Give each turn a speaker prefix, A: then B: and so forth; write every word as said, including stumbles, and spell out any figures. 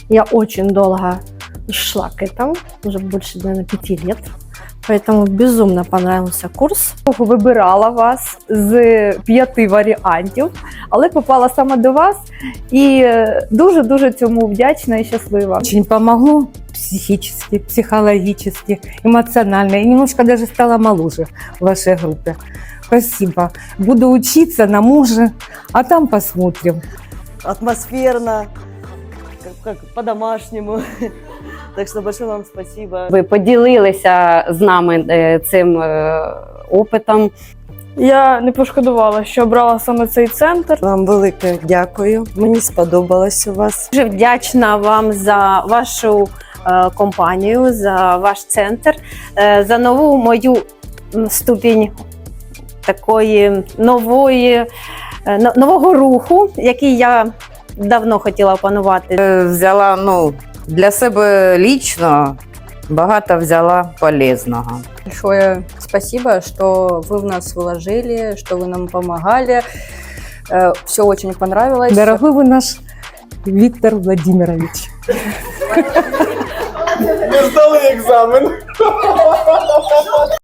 A: Я очень долго шла к этому, уже больше, наверное, пяти лет. Поэтому безумно понравился курс. Вибирала вас з п'яти варіантів, але попала саме до вас і дуже-дуже цьому вдячна і щаслива.
B: Очень помогло психически, психологически, эмоционально. И немножко даже стала моложе в вашей группе. Спасибо. Буду учиться на муже, а там посмотрим.
C: Атмосферно, как, как по-домашнему. Так что большое вам спасибо.
D: Ви поділилися з нами е, цим е, опитом.
E: Я не пошкодувала, що обрала саме цей центр.
C: Вам велике дякую. Мені сподобалось у вас.
A: Дуже вдячна вам за вашу е, компанію, за ваш центр, е, за нову мою ступінь такої нової, е, но- нового руху, який я давно хотіла опанувати.
F: Взяла, ну, для себе лично багато взяла полезного.
G: Большое спасибо, что вы в нас вложили, что вы нам помогали. Все очень понравилось.
B: Дорогой вы наш Виктор Владимирович.
H: Ми здали екзамен.